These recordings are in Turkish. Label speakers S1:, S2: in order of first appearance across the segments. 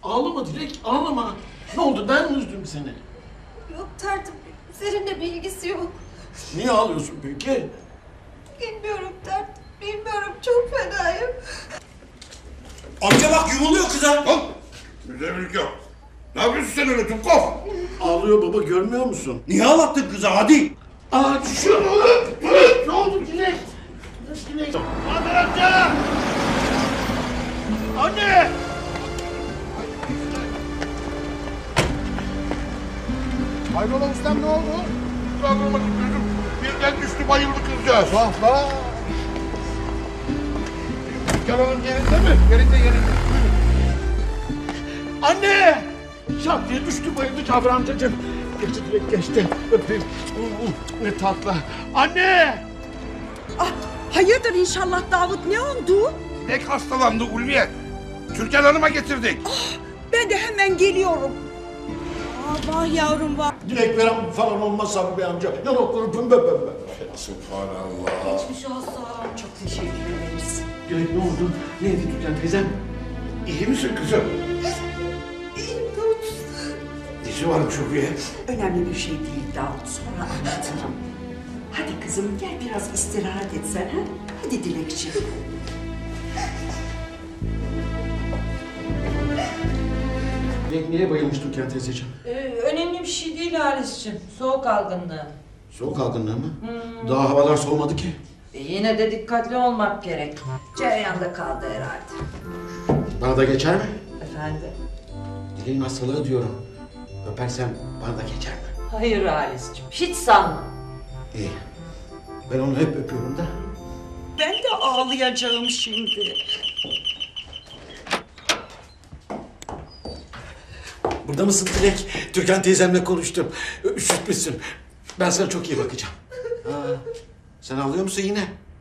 S1: Ağlama Dilek, ağlama. Ne oldu, ben mi üzdüm seni?
S2: Yok tertip, seninle bir ilgisi yok.
S1: Niye ağlıyorsun peki?
S2: Bilmiyorum tertip, bilmiyorum, çok fenayım.
S3: Amca bak yumuluyor kıza.
S4: Al. Müzevilik yok. Ne yapıyorsun sen öyle Tukov?
S1: Ağlıyor baba, görmüyor musun?
S3: Niye ağlattın kıza hadi?
S1: Aa, düşüyor mu? Ne oldu Dilek? Dilek.
S4: Hadi amca! Anne! Hayrola ustam, ne oldu? Kaldırmadım gözüm. Birden düştü, bayıldı kızcağız. Vah vah! Canan'ın yerinde mi? Yerinde. Buyurun. Anne! Şak diye düştü, bayıldı Cabir amcacığım. Geçti Dilek, geçti. Öpeyim. Ne tatlı. Anne!
S5: Ah, hayırdır inşallah Davut, ne oldu?
S4: Dilek hastalandı Ulviye. Türkan Hanım'a getirdik.
S5: Ben de hemen geliyorum. Ah, vah yavrum vah.
S1: Dilek veren falan olmaz Sabri Bey amca. Yanakları pembe pembe.
S4: Subhanallah.
S2: Geçmiş olsun.
S5: Çok teşekkür ederiz.
S1: Dilek ne oldu? Neydi Türkan teyzem?
S4: İyi misin kızım?
S2: İyiyim Davut.
S4: Nesi varmış Ulviye?
S5: Önemli bir şey değil Davut, sonra anlatırım. Hadi kızım gel biraz istirahat et sen ha. Hadi Dilekçiğim.
S1: Dilek niye bayılmış Türkan teyzeciğim?
S6: Önemli bir şey değil Halis'ciğim. Soğuk algınlığı.
S1: Soğuk algınlığı mı? Daha havalar soğumadı ki.
S6: Yine de dikkatli olmak gerek.
S5: Cereyanda kaldı herhalde.
S1: Bana da geçer mi?
S6: Efendim?
S1: Dilek'in hastalığı diyorum. Öpersem bana da geçer mi?
S6: Hayır Halis'ciğim. Hiç sanma.
S1: İyi. Ben onu hep öpüyorum da.
S5: Ben de ağlayacağım şimdi.
S1: Burada mısın Dilek? Türkan teyzemle konuştum. Üşütmüşsün. Ben sana çok iyi bakacağım. Sen ağlıyor musun yine?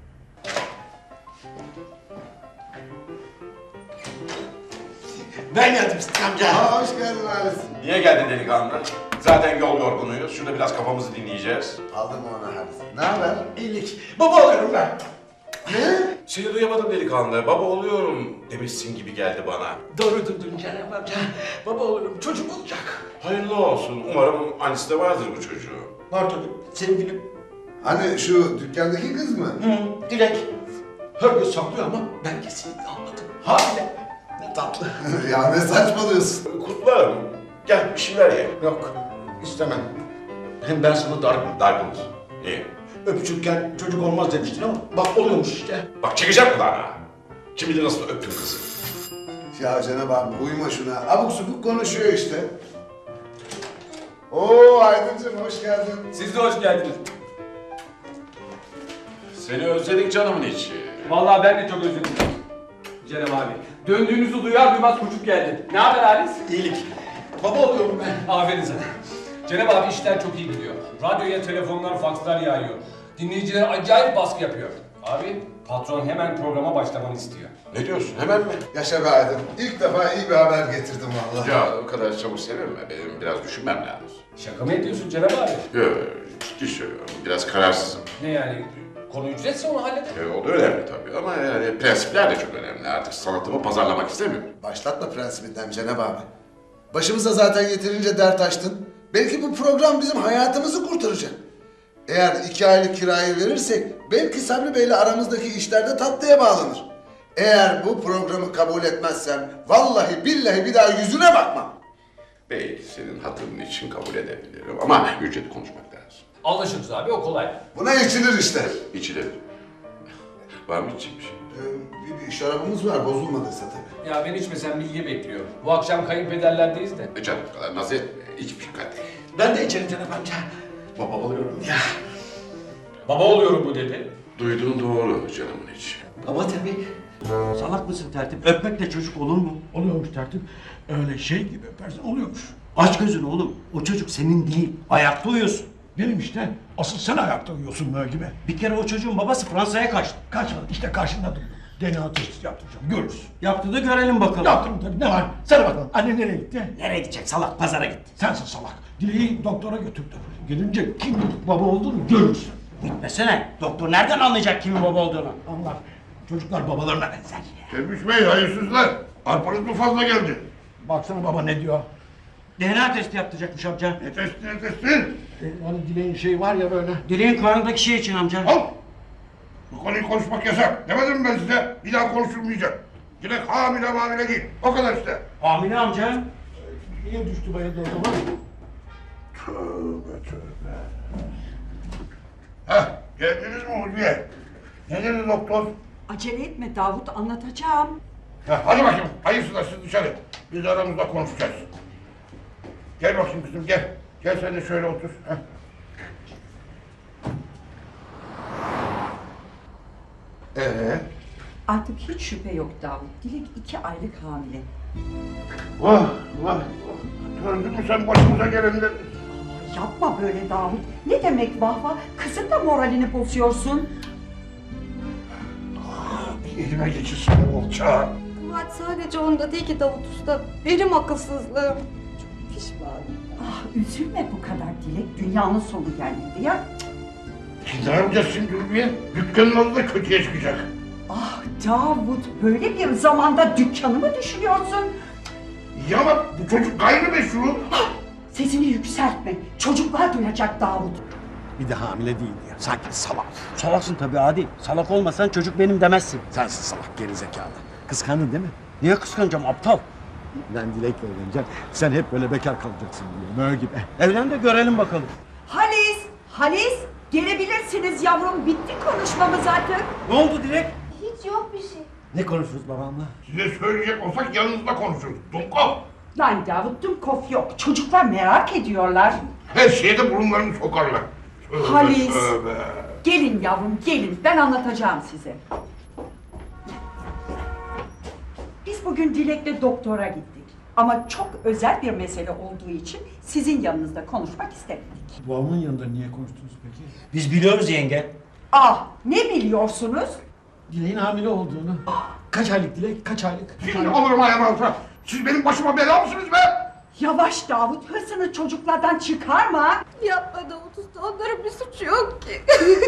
S1: Ben geldim Sıtkı amca.
S7: Hoş geldin Halis.
S8: Niye geldin delikanlı? Zaten yol yorgunuyuz. Şurada biraz kafamızı dinleyeceğiz.
S7: Aldım onu Halis. Ne haber?
S1: İyilik. Baba oluyorum ben.
S7: Ne?
S8: Seni duyamadım delikanlı. Baba oluyorum demişsin gibi geldi bana.
S1: Doğru duydun Cenab amca. Baba olurum. Çocuk olacak.
S8: Hayırlı olsun. Umarım annesi de vardır bu çocuğu.
S1: Var tabii. Sevgilim.
S7: Hani şu dükkandaki kız mı?
S1: Dilek. Herkes saklıyor ama ben kesinlikle anladım. Hamile. Ne tatlı.
S7: Ya ne saçmalıyorsun?
S8: Kutlarım. Gel bir şeyler ye.
S1: Yok. istemem. Hem ben sana dargınım.
S8: Dargınız. Niye?
S1: Öpücükken çocuk olmaz demiştin ama bak oluyormuş işte.
S8: Bak çekeceğim kulağına. Kim bilir nasıl öptüm kızı.
S7: Ya Cenab abi uyma şuna. Abuk subuk konuşuyor işte. Oo Aydıncığım hoş geldin.
S9: Siz de hoş geldiniz.
S8: Seni özledik canımın içi.
S9: Vallahi ben de çok özledim. Cenab abi. Döndüğünüzü duyar duymaz koşup geldim. Ne haber Halis?
S1: İyilik. Baba oluyorum ben.
S9: Aferin sana. Cenab abi işler çok iyi gidiyor. Radyoya telefonlar, fakslar yağıyor. Dinleyiciler acayip baskı yapıyor. Abi patron hemen programa başlamanı istiyor.
S8: Ne diyorsun? Hemen mi?
S7: Yaşa be Aydın. İlk defa iyi bir haber getirdim vallahi.
S8: Ya o kadar çabuk sevinme. Benim biraz düşünmem lazım.
S9: Şaka mı ediyorsun Cenab abi?
S8: Yok, ciddi söylüyorum. Biraz kararsızım.
S9: Ne yani? Konu ücretse onu halledelim.
S8: O da önemli tabii ama yani prensipler de çok önemli. Artık sanatımı pazarlamak istemiyorum.
S7: Başlatma prensibinden Cenab abi. Başımıza zaten yeterince dert açtın. Belki bu program bizim hayatımızı kurtaracak. Eğer 2 aylık kirayı verirsek belki Sabri Bey'le aramızdaki işlerde tatlıya bağlanır. Eğer bu programı kabul etmezsen vallahi billahi bir daha yüzüne bakmam.
S8: Belki senin hatırın için kabul edebilirim ama ücreti konuşmak lazım.
S9: Anlaşırız abi, o kolay.
S7: Buna içilir işte.
S8: İçilir. Var mı içecek bir şey?
S7: Bir şarabımız var bozulmadıysa tabii.
S9: Ya ben içmesem bilgi bekliyor. Bu akşam kayınpederlerdeyiz de.
S8: Canım bu kadar naz etme. İç bir kadeh.
S1: Ben de içerim Cenab amca. Baba oluyorum ya.
S9: Baba oluyorum bu dedi.
S8: Duyduğun doğru canımın içi.
S1: Baba tabii.
S3: Salak mısın tertip? Öpmekle çocuk olur mu?
S1: Oluyormuş tertip. Öyle şey gibi öpersen oluyormuş.
S3: Aç gözünü oğlum. O çocuk senin değil. Ayakta uyuyorsun.
S10: Benim işte. Asıl sen ayakta uyuyorsun böyle gibi.
S3: Bir kere o çocuğun babası Fransa'ya kaçtı.
S10: Kaçmadı. İşte karşında duruyor. DNA testi yaptıracağım. Görürsün.
S3: Yaptı da görelim bakalım.
S10: Yaptım tabii. Ne var? Sana bakalım. Anne nereye gitti?
S3: Nereye gidecek salak? Pazara gitti.
S10: Sensin salak. Dileği doktora götürdü. Gelince kim baba olduğunu görürsün.
S3: Gitmesene. Doktor nereden anlayacak kimin baba olduğunu?
S10: Anlar. Çocuklar babalarına benzer.
S4: Tebrik Bey hayırsızlar. Arpanız mı fazla geldi?
S10: Baksana baba ne diyor.
S3: DNA testi yaptıracakmış amca.
S4: Ne testi?
S10: Hani Dileğin şeyi var ya böyle.
S3: Dileğin karnındaki şey için amca.
S4: Al! Bu konuyu konuşmak yasak. Demedim mi ben size? Bir daha konuşulmayacak. Dilek hamile değil. O kadar işte.
S3: Hamile amca.
S10: Niye düştü bayıldı o zaman?
S4: Tövbe. Heh, geldiniz mi Ulviye? Ne dedi doktor?
S5: Acele etme Davut, anlatacağım.
S4: Heh, hadi bakayım. Hayırsızlar siz dışarı. Biz de aramızda konuşacağız. Gel bakayım kızım gel. Gel sen de şöyle otur. Heh.
S5: Artık hiç şüphe yok Davut. Dilek 2 aylık hamile.
S4: Vah vah. Gördün mü sen başımıza gelenleri?
S5: Yapma böyle Davut. Ne demek vah vah? Kızın da moralini bozuyorsun.
S4: Elime geçirsin olça.
S2: Kabahat sadece onda değil ki Davut Usta. Benim akılsızlığım. Çok pişmanım.
S5: Ah üzülme bu kadar Dilek. Dünyanın sonu gelmedi ya.
S4: Ne yapacağız şimdi Ulviye? Dükkanın adı da kötüye çıkacak.
S5: Ah Davut, böyle bir zamanda dükkanı mı düşünüyorsun?
S4: Ya ama bu çocuk gayrimeşru.
S5: Sesini yükseltme. Çocuklar duyacak Davut.
S1: Bir de hamile değil ya. Sanki salak.
S3: Salaksın tabii Adi. Salak olmasan çocuk benim demezsin.
S1: Sensin salak gerizekalı. Kıskandın değil mi?
S3: Niye kıskanacağım aptal?
S1: Ben Dilek'le evleneceğim. Sen hep böyle bekar kalacaksın diye. Mö gibi.
S3: Evlen de görelim bakalım.
S5: Halis, gelebilirsiniz yavrum. Bitti konuşmamız artık.
S3: Ne oldu Dilek?
S2: Hiç yok bir şey.
S1: Ne konuşuruz babamla?
S4: Size söyleyecek olsak yanınızda konuşuruz. Dumkop.
S5: Lan Davut, Dumkov yok. Çocuklar merak ediyorlar.
S4: Her şeyde burunlarını sokarlar. Tövbe,
S5: Halis.
S4: tövbe.
S5: Gelin yavrum, gelin. Ben anlatacağım size. Biz bugün Dilek'le doktora gittik. Ama çok özel bir mesele olduğu için sizin yanınızda konuşmak istemedik.
S10: Babamın yanında niye konuştunuz peki?
S3: Biz biliyoruz yenge.
S5: Ah, ne biliyorsunuz?
S10: Dileğin hamile olduğunu. Kaç aylık Dilek? Kaç aylık?
S4: Şimdi alırım ayağımı altına. Siz benim başıma bela mısınız be?
S5: Yavaş Davut, hırsını çocuklardan çıkarma.
S2: Yapma Davut Usta. Onların bir suçu yok ki.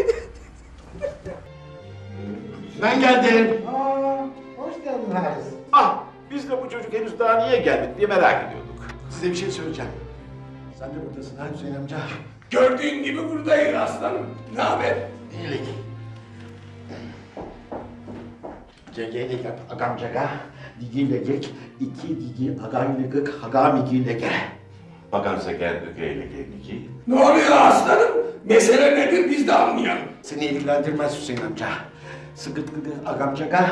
S1: Ben geldim.
S7: Hoş geldin Halis.
S8: Ah, biz de bu çocuk henüz daha niye gelmedi diye merak ediyorduk.
S1: Size bir şey söyleyeceğim. Sen de buradasın ha Hüseyin amca.
S8: Gördüğün gibi buradayız aslanım. Ne haber?
S1: İyilik. Cegeyle yap agamcaga. Digiyle gek. İki digi agaylıgık hagamigiyle ge.
S8: Bakansa gel ögeyle gelmeyeceği. Ne oluyor aslanım? Mesele nedir biz de anlayalım.
S1: Seni ilgilendirmez Hüseyin amca. Sıkıt gıgı agamcaga.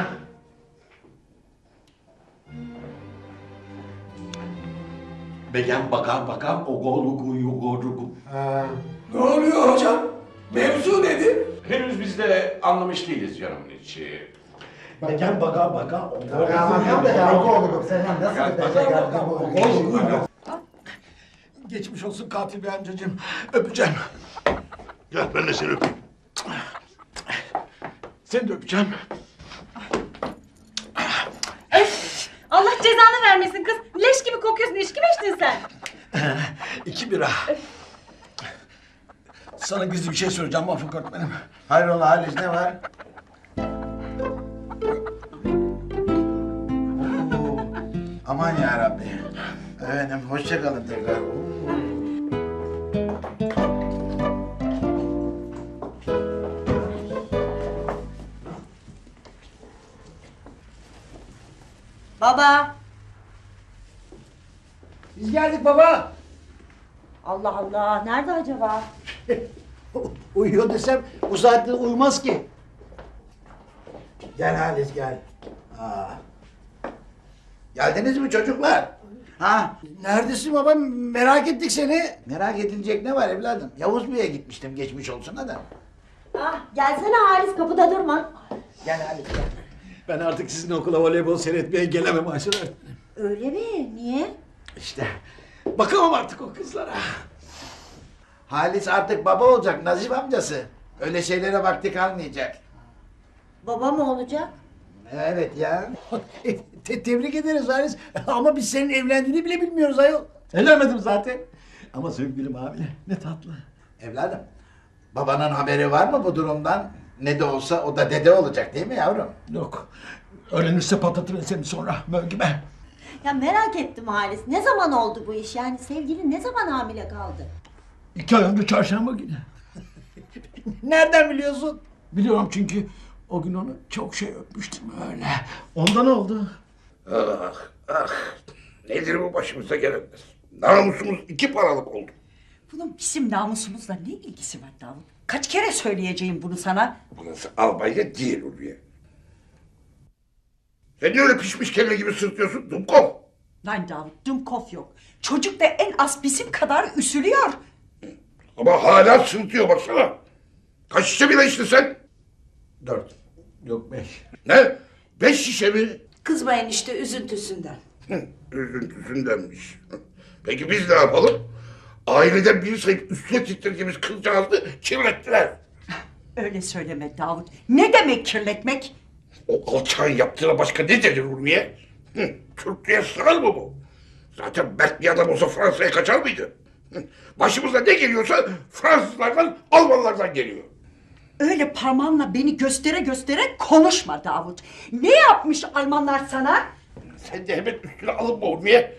S1: Begen baka ogolugu yugorugu.
S8: Ne oluyor hocam? Mevzu nedir? Henüz biz de anlamış değiliz canımın içi.
S1: Begen baka Geçmiş olsun katil bey amcacığım. Öpeceğim.
S4: Gel ben de seni öpeyim.
S1: Seni de öpeceğim.
S2: Allah cezanı vermesin kız. Leş gibi kokuyorsun. İçki mi içtin sen?
S1: 2 bira. Sana gizli bir şey söyleyeceğim Mahfuk öğretmenim.
S7: Hayrola Halis ne var? Aman ya Rabbi. Efendim hoşça kalın tekrar.
S5: Baba.
S10: Biz geldik baba.
S5: Allah Allah, nerede acaba?
S10: Uyuyor desem bu saatte uyumaz ki.
S7: Gel Halis gel. Aa. Geldiniz mi çocuklar? Ha?
S10: Neredesin baba? Merak ettik seni.
S7: Merak edilecek ne var evladım? Yavuz Bey'e gitmiştim geçmiş olsun da.
S2: Ah, gelsene Halis kapıda durma.
S7: Gel Halis gel.
S1: Ben artık sizin okula voleybol seyretmeye gelemem Ayşe öğretmenim.
S2: Öyle mi? Niye?
S1: İşte bakamam artık o kızlara.
S7: Halis artık baba olacak Nazif amcası. Öyle şeylere vakti kalmayacak.
S2: Baba mı olacak?
S7: Evet ya.
S10: Tebrik ederiz Halis. Ama biz senin evlendiğini bile bilmiyoruz ayol. Evlenmedim zaten.
S1: Ama sevgilim hamile. Ne tatlı.
S7: Evladım, babanın haberi var mı bu durumdan? Ne de olsa o da dede olacak değil mi yavrum?
S10: Yok. Öğrenirse patlatır seni sonra. Mö gibi.
S11: Ya merak ettim Halis. Ne zaman oldu bu iş? Yani sevgilin ne zaman hamile kaldı?
S10: 2 ay önce çarşamba günü. Nereden biliyorsun? Biliyorum çünkü o gün onu çok şey öpmüştüm öyle. Ondan oldu.
S8: Ah ah. Nedir bu başımıza gelenler? Namusumuz 2 paralık oldu.
S5: Bunun bizim namusumuzla ne ilgisi var Davut? Kaç kere söyleyeceğim bunu sana?
S8: Burası Albanya değil Ulviye. Sen niye öyle pişmiş kelle gibi sırtıyorsun Dumkov?
S5: Lan Davut, Dumkov yok. Çocuk da en az bizim kadar üzülüyor.
S8: Ama hala sırtıyor baksana. Kaç şişe bile içtin sen?
S1: 4. Yok 5.
S8: Ne? 5 şişe mi?
S6: Kızmayın işte üzüntüsünden.
S8: Üzüntüsündenmiş. Peki biz ne yapalım? Aileden biri sayıp üstüne titrediğimiz kızcağızı kirlettiler.
S5: Öyle söyleme Davut. Ne demek kirletmek?
S8: O alçağın yaptığına başka ne denir Ulviye? Türklüğe sığar mı bu? Zaten mert bir adam olsa Fransa'ya kaçar mıydı? Başımıza ne geliyorsa Fransızlardan, Almanlardan geliyor.
S5: Öyle parmağınla beni göstere göstere konuşma Davut. Ne yapmış Almanlar sana?
S8: Sen de hemen üstüne alınma Ulviye.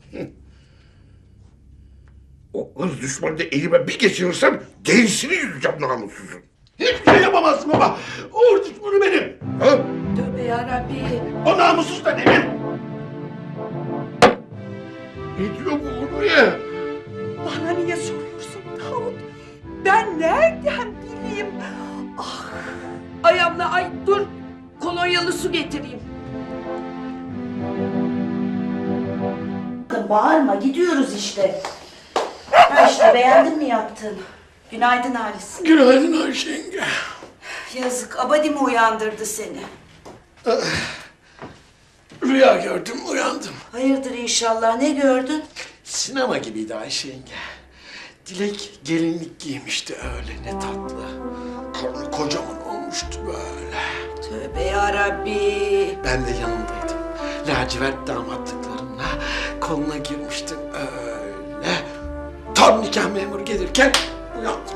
S8: O ırz düşmanını elime bir geçirirsem derisini yüzeceğim namussuzun.
S4: Hiçbir şey yapamazsın baba. Uğur düşmanı benim.
S8: Ha?
S6: Tövbe yarabbi.
S4: O namussuz da benim.
S8: Ne diyor bu Ulviye?
S5: Bana niye soruyorsun Davut? Ben nereden bileyim? Ah,
S6: Ay abla ay dur. Kolonyalı su getireyim.
S5: bağırma gidiyoruz işte. Ha işte beğendin mi yaptığını? Günaydın Halis.
S4: Günaydın Ayşe yenge.
S6: Yazık Abadi mi uyandırdı seni?
S4: Rüya gördüm, uyandım.
S6: Hayırdır inşallah ne gördün?
S4: Sinema gibiydi Ayşe yenge. Dilek gelinlik giymişti öyle ne tatlı. Karnı kocaman olmuştu böyle.
S6: Tövbe yarabbi.
S4: Ben de yanındaydım. Lacivert damatlıklarımla koluna girmiştim öyle. Tam nikah memuru gelirken uyandım.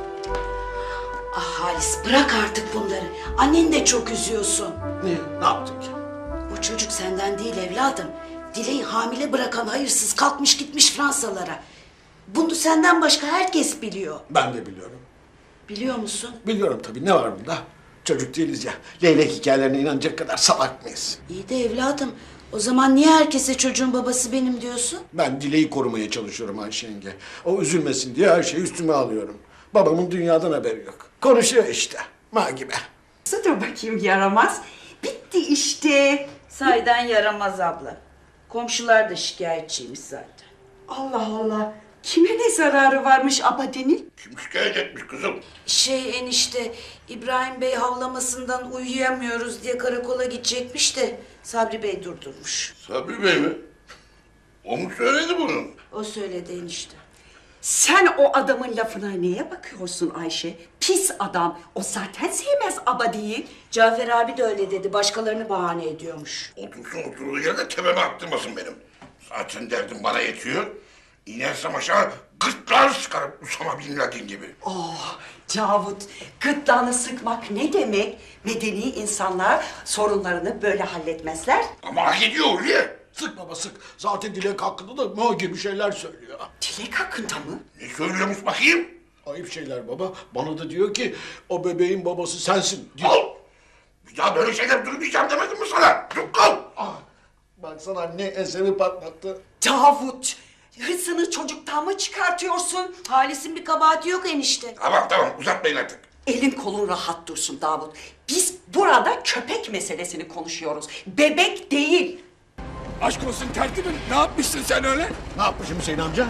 S6: Ah Halis bırak artık bunları. Anneni de çok üzüyorsun.
S4: Ne yaptım ki?
S6: Bu çocuk senden değil evladım. Dileği hamile bırakan hayırsız kalkmış gitmiş Fransalara. Bunu senden başka herkes biliyor.
S4: Ben de biliyorum.
S6: Biliyor musun?
S4: Biliyorum tabii, ne var bunda? Çocuk değiliz ya. Leylek hikayelerine inanacak kadar salak mıyız?
S6: İyi de evladım. O zaman niye herkese çocuğun babası benim diyorsun?
S4: Ben Dileği korumaya çalışıyorum Ayşe yenge. O üzülmesin diye her şeyi üstüme alıyorum. Babamın dünyadan haberi yok. Konuşuyor işte. Ma gibi.
S5: Dur bakayım yaramaz. Bitti işte.
S6: Sahiden yaramaz abla. Komşular da şikayetçiymiş zaten.
S5: Allah Allah. Kime ne zararı varmış Abadi'nin?
S8: Kim şikayet etmiş kızım?
S6: Enişte İbrahim Bey havlamasından uyuyamıyoruz diye karakola gidecekmiş de Sabri Bey durdurmuş.
S8: Sabri Bey mi? O mu söyledi bunu?
S6: O söyledi enişte.
S5: Sen o adamın lafına neye bakıyorsun Ayşe? Pis adam. O zaten sevmez Abadi'yi.
S6: Cafer abi de öyle dedi. Başkalarını bahane ediyormuş.
S8: Otursun oturduğu yerde tepeme attırmasın benim. Zaten derdim bana yetiyor. İnersem aşağı gırtlar sıkarım Usama Bin Laden gibi.
S5: Oh Davut, gırtlağını sıkmak ne demek? Medeni insanlar sorunlarını böyle halletmezler.
S8: Ama hak ediyor Ulviye.
S4: Sık baba sık. Zaten Dilek hakkında da ma gibi şeyler söylüyor.
S5: Dilek hakkında mı?
S8: Ne söylüyormuş bakayım?
S4: Ayıp şeyler baba. Bana da diyor ki o bebeğin babası sensin diyor.
S8: Al! Bir daha böyle şeyler duymayacağım demedim mi sana? Dur kal!
S4: Baksana ne eseri patlattı.
S5: Davut, hırsını çocuktan mı çıkartıyorsun?
S6: Halis'in bir kabahati yok enişte.
S8: Tamam uzatmayın artık.
S5: Elin kolun rahat dursun Davut. Biz burada köpek meselesini konuşuyoruz. Bebek değil.
S8: Aşk olsun tertibim. Ne yapmışsın sen öyle?
S4: Ne yapmışım Hüseyin amca?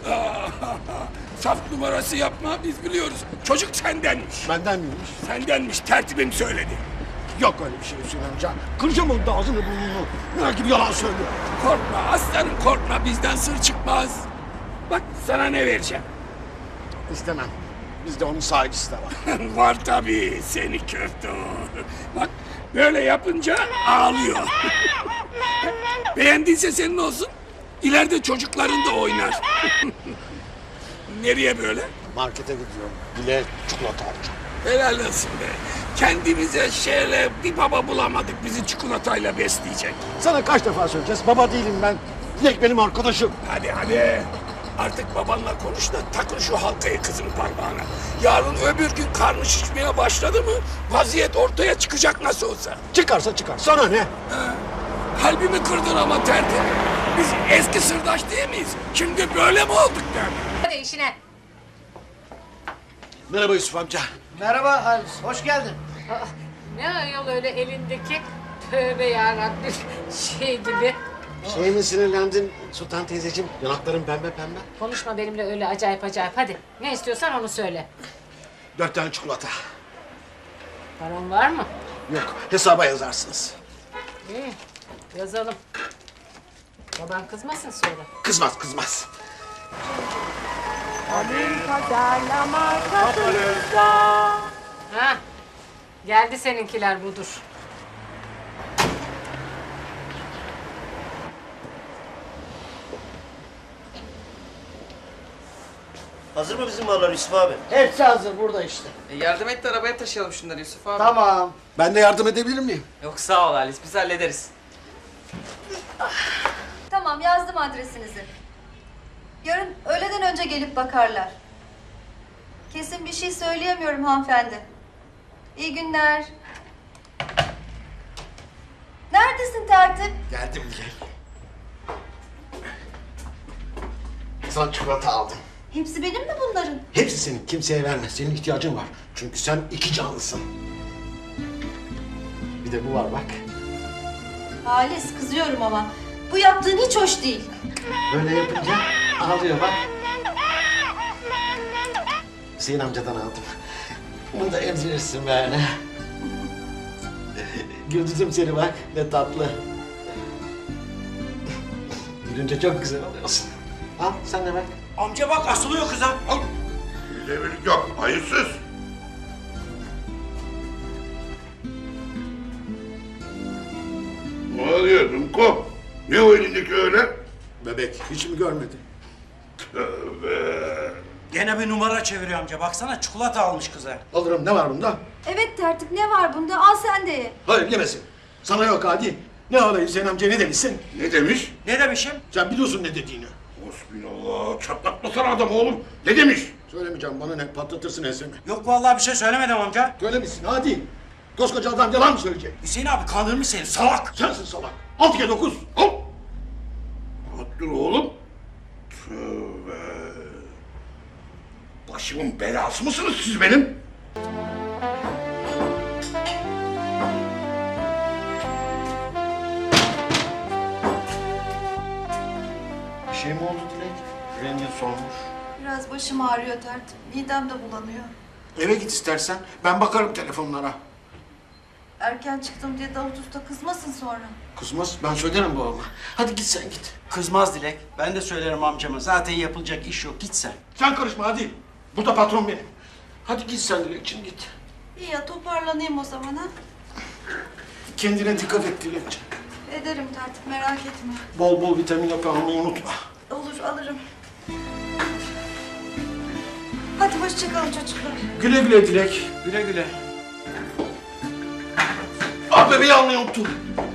S8: Saf numarası yapma biz biliyoruz. Çocuk sendenmiş.
S4: Benden miymiş?
S8: Sendenmiş tertibim söyledi.
S4: Yok öyle bir şey Hüseyin amca. Kıracağım onun da ağzını burnunu. Ne gibi yalan söylüyor.
S8: Korkma aslanım korkma bizden sır çıkmaz. Bak sana ne vereceğim.
S4: İstemem. Bizde onun sahicisi de var.
S8: Var tabii seni köfte. Bak böyle yapınca ağlıyor. Beğendiyse senin olsun. İleride çocukların da oynar. Nereye böyle?
S4: Markete gidiyorum. Dilek çikolata alacağım.
S8: Helal olsun be. Kendimize şöyle bir baba bulamadık bizi çikolatayla besleyecek.
S4: Sana kaç defa söyleyeceğiz? Baba değilim ben.
S1: Dilek benim arkadaşım.
S8: Hadi hadi. Artık babanla konuş da takın şu halkayı kızın parmağına. Yarın öbür gün karnı şişmeye başladı mı vaziyet ortaya çıkacak nasıl olsa.
S1: Çıkarsa çıkar. Sana ne?
S8: Kalbimi kırdın ama tertip. Biz eski sırdaş değil miyiz? Şimdi böyle mi olduk der?
S12: Hadi işine.
S1: Merhaba Yusuf amca.
S10: Merhaba Halis, hoş geldin.
S12: Ne ayol öyle elindeki tövbe yarabbim şey gibi.
S1: Şey mi sinirlendin Sultan teyzeciğim? Yanakların pembe pembe.
S12: Konuşma benimle öyle acayip acayip. Hadi ne istiyorsan onu söyle.
S1: 4 tane çikolata.
S12: Paran var mı?
S1: Yok, hesaba yazarsınız.
S12: İyi yazalım. Baban kızmasın sonra.
S1: Kızmaz, kızmaz.
S12: Ha, geldi seninkiler budur.
S3: Hazır mı bizim mallar Yusuf abi?
S10: Hepsi hazır burada işte.
S13: Yardım et de arabaya taşıyalım şunları Yusuf abi.
S10: Tamam.
S1: Ben de yardım edebilir miyim?
S13: Yok sağ ol Halis biz hallederiz.
S2: Tamam yazdım adresinizi. Yarın öğleden önce gelip bakarlar. Kesin bir şey söyleyemiyorum hanımefendi. İyi günler. Neredesin tertip?
S1: Geldim Dilek. Sana çikolata aldım.
S2: Hepsi benim mi bunların?
S1: Hepsi senin, kimseye verme. Senin ihtiyacın var. Çünkü sen iki canlısın. Bir de bu var bak.
S2: Halis kızıyorum ama. Bu yaptığın hiç hoş değil.
S1: Böyle yapınca ağlıyor bak. Hüseyin amcadan aldım. Bunu da emzirirsin böyle. Güldürdüm seni bak, ne tatlı. Gülünce çok güzel oluyorsun. Al sen de bak.
S3: Amca bak asılıyor kıza.
S8: Al. Devirlik yok. Hayırsız. Ne oluyor Dumko? Ne o elindeki öyle?
S1: Bebek hiç mi görmedin?
S8: Tövbe.
S3: Gene bir numara çeviriyor amca. Baksana çikolata almış kıza.
S1: Alırım, ne var bunda?
S2: Evet tertip ne var bunda? Al sen de ye.
S1: Hayır yemesin. Sana yok Hadi. Ne alayım Hüseyin amca ne demişsin?
S8: Ne demiş?
S3: Ne demişim?
S1: Sen biliyorsun ne dediğini.
S8: Hasbinallah. Çatlatmasana adam oğlum. Ne demiş?
S1: Söylemeyeceğim bana ne patlatırsın ensemi.
S3: Yok vallahi bir şey söylemedim amca.
S1: Söylemişsin hadi. Koskoca adam yalan mı söyleyecek?
S3: Hüseyin abi kandırmış seni salak.
S1: Sensin salak. 6 kere 9.
S8: Al. Rahat dur oğlum. Tövbe. Başımın belası mısınız siz benim?
S1: Bir şey mi oldu Dilek? Rengin solmuş.
S2: Biraz başım ağrıyor tertip. Midem de bulanıyor.
S1: Eve git istersen. Ben bakarım telefonlara.
S2: Erken çıktım diye Davut Usta kızmasın sonra.
S1: Kızmaz. Ben söylerim babama. Hadi git sen git.
S3: Kızmaz Dilek. Ben de söylerim amcama. Zaten yapılacak iş yok. Git sen.
S1: Sen karışma hadi. Burada patron benim. Hadi git sen Dilekçim git.
S2: İyi ya toparlanayım o zaman ha.
S1: Kendine dikkat et Dilekçim.
S2: Ederim tertip merak etme.
S1: Bol bol vitamin hapı almayı unutma.
S2: Olur alırım. Hadi hoşçakalın çocuklar.
S1: Güle güle Dilek.
S3: Güle güle.
S1: Ah bebeği almayı unuttum.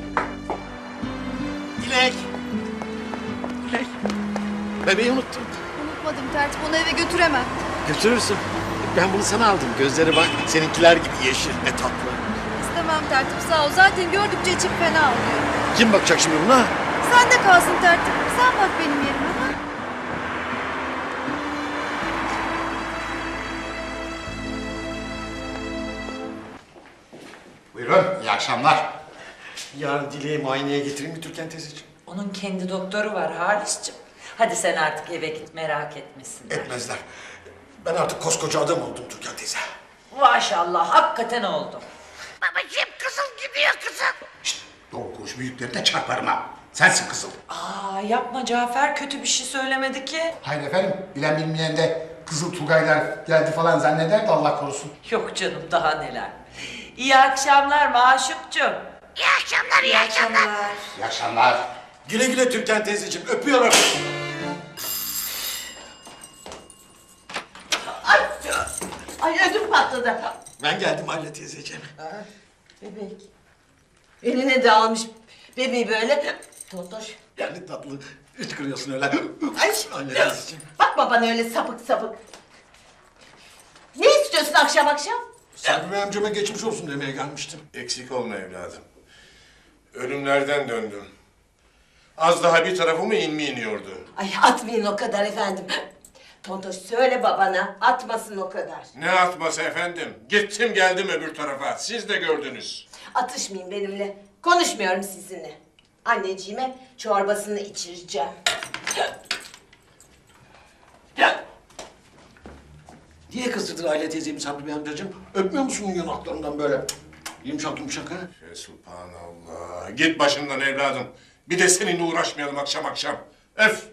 S1: Dilek. Dilek. Bebeği unuttum.
S2: Unutmadım tertip onu eve götüremem.
S1: Götürürsün. Ben bunu sana aldım. Gözleri bak seninkiler gibi yeşil. Ne tatlı.
S2: İstemem tertip sağ ol. Zaten gördükçe içim fena oluyor.
S1: Kim bakacak şimdi buna?
S2: Sen de kalsın tertip. Sen bak benim yerime ha.
S4: Buyurun, iyi akşamlar.
S1: Yarın Dilek'i muayeneye getireyim mi Türkan teyzeciğim?
S5: Onun kendi doktoru var Halis'cim. Hadi sen artık eve git merak etmesinler.
S1: Etmezler. Ben artık koskoca adam oldum Türkan teyze.
S5: Maşallah hakikaten oldu.
S8: Babacığım kızıl gidiyor kızıl.
S4: Şşt, doğru konuş büyüklerine çarparım ha. Sensin kızıl.
S5: Aa yapma Cafer kötü bir şey söylemedi ki.
S7: Hayır efendim, bilen bilmeyen de Kızıl Tugaylar geldi falan zanneder de Allah korusun.
S5: Yok canım daha neler. İyi akşamlar Maşukcuğum.
S8: İyi akşamlar, iyi akşamlar.
S7: İyi akşamlar.
S1: Güle güle Türkan teyzeciğim. Öpüyorum.
S5: Ay ödüm patladı.
S1: Ben geldim Aile teyzeciğim.
S5: Bebek. Eline de almış bebeği böyle. Totoş.
S1: Yani tatlı. Hiç kırıyorsun öyle.
S11: Ay.
S1: Anne teyzeciğim.
S11: Bakma bana öyle sapık sapık. Ne istiyorsun akşam akşam?
S1: Sabri Bey amcama geçmiş olsun demeye gelmiştim.
S8: Eksik olma evladım. Ölümlerden döndüm. Az daha bir tarafıma inmi iniyordu.
S11: Ay atmayın o kadar efendim. Tontoş söyle babana atmasın o kadar.
S8: Ne atması efendim? Gittim geldim öbür tarafa. Siz de gördünüz.
S11: Atışmayın benimle. Konuşmuyorum sizinle. Anneciğime çorbasını içireceğim.
S1: Niye kızdırdın Aile teyzemi Sabri Bey amcacığım? Öpmüyor musun yanaklarından böyle? Yumuşak yumuşak ha?
S8: Subhanallah. Git başımdan evladım. Bir de seninle uğraşmayalım akşam akşam. Öf!